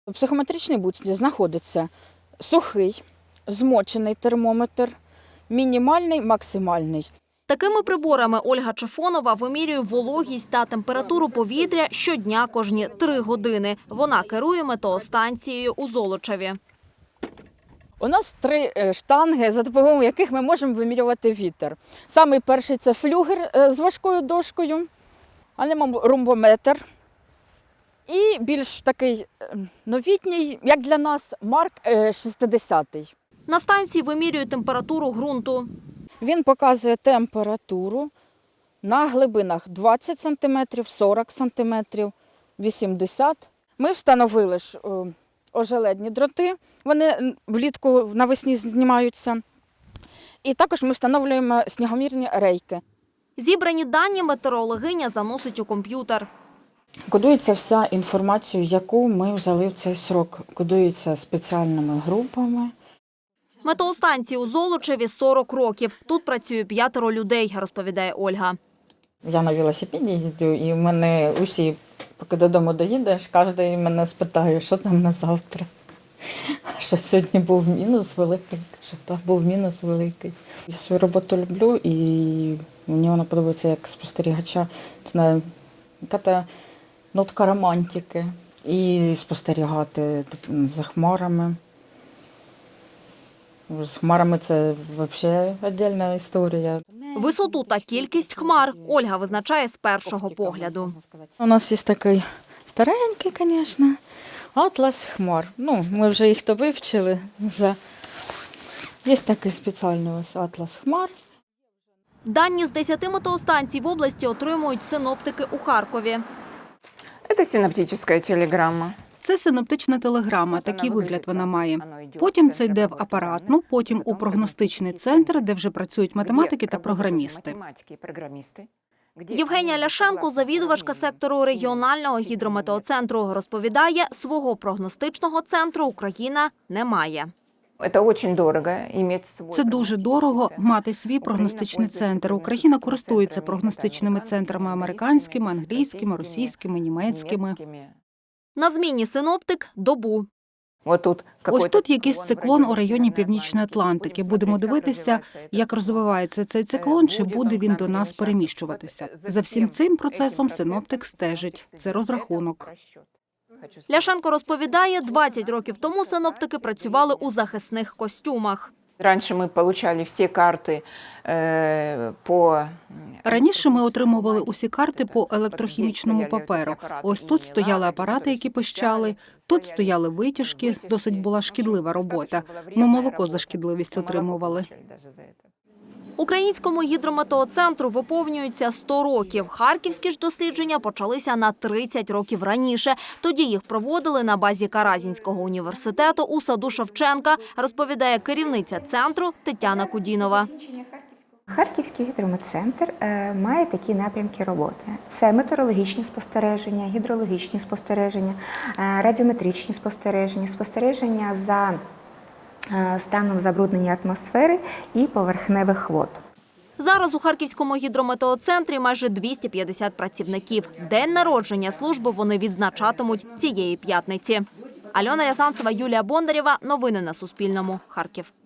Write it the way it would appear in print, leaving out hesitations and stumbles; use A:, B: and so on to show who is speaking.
A: У психометричній будці знаходиться сухий, змочений термометр, мінімальний, максимальний.
B: Такими приборами Ольга Чефонова вимірює вологість та температуру повітря щодня кожні 3 години. Вона керує метеостанцією у Золочеві.
A: У нас 3 штанги, за допомогою яких ми можемо вимірювати вітер. Самий перший – це флюгер з важкою дошкою, анеморумбометр. І більш такий новітній, як для нас, Марк 60-й.
B: На станції вимірюють температуру ґрунту.
A: Він показує температуру на глибинах 20 см, 40 см, 80 см. Ми встановили ожеледні дроти, вони влітку навесні знімаються. І також ми встановлюємо снігомірні рейки.
B: Зібрані дані метеорологиня заносить у комп'ютер.
A: Кодується вся інформація, яку ми взяли в цей срок. Кодується спеціальними групами.
B: Метеостанції у Золочеві 40 років. Тут працює 5 людей, розповідає Ольга.
A: Я на велосипеді їздю, і в мене усі, поки додому доїдеш, кожен мене спитає, що там на завтра. Що сьогодні був мінус великий, що так був мінус великий. Я свою роботу люблю, і мені вона подобається як спостерігача. Це яка нотка романтики. І спостерігати за хмарами. З хмарами це взагалі окрема історія.
B: Висоту та кількість хмар Ольга визначає з першого погляду.
A: У нас є такий старенький, звісно, атлас хмар. Ми вже їх то вивчили. Є такий спеціальний ось атлас хмар.
B: Дані з 10 метеостанцій в області отримують синоптики у Харкові.
C: Це синоптична телеграма.
D: Це синоптична телеграма, такий вигляд вона має. Потім це йде в апаратну, потім у прогностичний центр, де вже працюють математики та програмісти.
B: Євгенія Ляшенко, завідувачка сектору регіонального гідрометеоцентру, розповідає, свого прогностичного центру Україна не має.
D: Це дуже дорого мати свій прогностичний центр. Україна користується прогностичними центрами американськими, англійськими, російськими, німецькими.
B: На зміні синоптик – добу.
D: Ось тут якийсь циклон у районі Північної Атлантики. Будемо дивитися, як розвивається цей циклон, чи буде він до нас переміщуватися. За всім цим процесом синоптик стежить. Це розрахунок.
B: Ляшенко розповідає, 20 років тому синоптики працювали у захисних костюмах.
C: Раніше ми отримали всі карти по...
D: Раніше ми отримували усі карти по електрохімічному паперу. Ось тут стояли апарати, які пищали, тут стояли витяжки, досить була шкідлива робота. Ми молоко за шкідливість отримували.
B: Українському гідрометеоцентру виповнюється 100 років. Харківські ж дослідження почалися на 30 років раніше. Тоді їх проводили на базі Каразінського університету у саду Шевченка, розповідає керівниця центру Тетяна Кудінова.
E: Харківський гідрометцентр має такі напрямки роботи. Це метеорологічні спостереження, гідрологічні спостереження, радіометричні спостереження, спостереження за станом забруднення атмосфери і поверхневих вод.
B: Зараз у Харківському гідрометеоцентрі майже 250 працівників. День народження служби вони відзначатимуть цієї п'ятниці. Альона Рязанцева, Юлія Бондарєва. Новини на Суспільному. Харків.